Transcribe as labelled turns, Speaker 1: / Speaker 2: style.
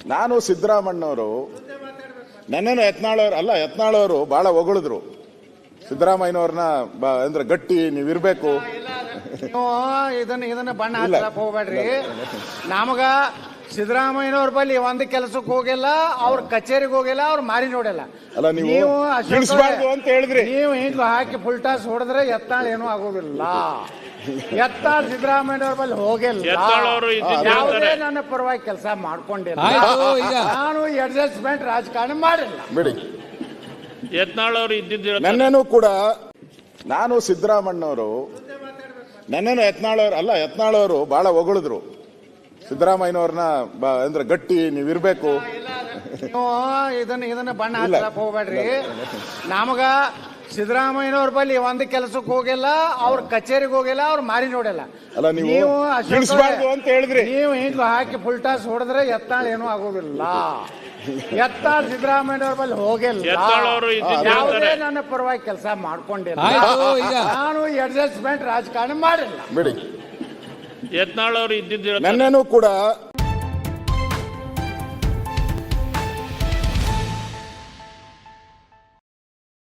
Speaker 1: ನಾನು ಸಿದ್ದರಾಮಣ್ಣವರು ನನ್ನನ್ನು ಯತ್ನಾಳವರು ಬಹಳ ಹೊಗಳಿದ್ರು ಸಿದ್ದರಾಮಯ್ಯನವ್ರನ್ನ ಅಂದ್ರೆ ಗಟ್ಟಿ ನೀವಿರ್ಬೇಕು.
Speaker 2: ಇದನ್ನ ಬಣ್ಣ ಹಚ್ಚಕ್ ಹೋಗ್ಬೇಡ್ರಿ. ನಮಗ ಸಿದ್ದರಾಮಯ್ಯನವ್ರ ಬಳಿ ಒಂದ್ ಕೆಲಸಕ್ಕೆ ಹೋಗಿಲ್ಲ, ಅವ್ರ ಕಚೇರಿಗೆ ಹೋಗಿಲ್ಲ, ಅವ್ರ ಮಾರಿ ನೋಡಿಲ್ಲ.
Speaker 1: ಅಲ್ಲ ನೀವು ಅಂತ ಹೇಳಿದ್ರಿ,
Speaker 2: ನೀವು ಹಿಂಗ ಹಾಕಿ ಫುಲ್ ಟಾಸ್ ಹೊಡೆದ್ರೆ ಎತ್ತಾಳ ಏನೂ ಆಗೋದಿಲ್ಲ. ಎತ್ತಾಳ ಸಿದ್ದರಾಮಯ್ಯನವ್ರ ಬಳಿ ಹೋಗಿಲ್ಲ, ಯಾವುದೇ ನನ್ನ ಪರವಾಗಿ ಕೆಲಸ ಮಾಡ್ಕೊಂಡಿಲ್ಲ. ನಾನು ಅಡ್ಜಸ್ಟ್ಮೆಂಟ್ ರಾಜಕಾರಣ ಮಾಡಿಲ್ಲ
Speaker 1: ಬಿಡಿ.
Speaker 3: ಯತ್ನಾಳ್ ಇದ್ದಿದ್ದು
Speaker 1: ನನ್ನೇನು ಕೂಡ ನಾನು ಸಿದ್ದರಾಮಣ್ಣವರು ನನ್ನನ್ನು ಯತ್ನಾಳವರು ಬಹಳ ಹೊಗಳಿದ್ರು ಸಿದ್ದರಾಮಯ್ಯನವ್ರನ್ನ ಅಂದ್ರೆ ಗಟ್ಟಿ ನೀವಿರ್ಬೇಕು.
Speaker 2: ಇದನ್ನ ಬಣ್ಣ ಹಚ್ಚಕ್ ಹೋಗ್ಬೇಡ್ರಿ. ನಮಗ ಸಿದ್ದರಾಮಯ್ಯನವ್ರ ಬಳಿ ಒಂದ್ ಕೆಲಸಕ್ಕೆ ಹೋಗಿಲ್ಲ, ಅವ್ರ ಕಚೇರಿಗೆ ಹೋಗಿಲ್ಲ, ಅವ್ರ ಮಾರಿ ನೋಡಿಲ್ಲ.
Speaker 1: ಅಲ್ಲ ನೀವು ಅಂತ ಹೇಳಿದ್ರಿ,
Speaker 2: ನೀವು ಹಿಂಗ ಹಾಕಿ ಫುಲ್ ಟಾಸ್ ಹೊಡೆದ್ರೆ ಎತ್ತಾಳ ಏನೂ ಆಗೋದಿಲ್ಲ. ಎತ್ತಾಳ ಸಿದ್ದರಾಮಯ್ಯನವ್ರ ಬಳಿ ಹೋಗಿಲ್ಲ, ಯಾವುದೇ ನನ್ನ ಪರವಾಗಿ ಕೆಲಸ ಮಾಡ್ಕೊಂಡಿಲ್ಲ. ನಾನು ಅಡ್ಜಸ್ಟ್ಮೆಂಟ್ ರಾಜಕಾರಣ ಮಾಡಿಲ್ಲ
Speaker 1: ಬಿಡಿ.
Speaker 3: ಯತ್ನಾಳ್ ಇದ್ದಿದ್ದು
Speaker 1: ನನ್ನೇನು ಕೂಡ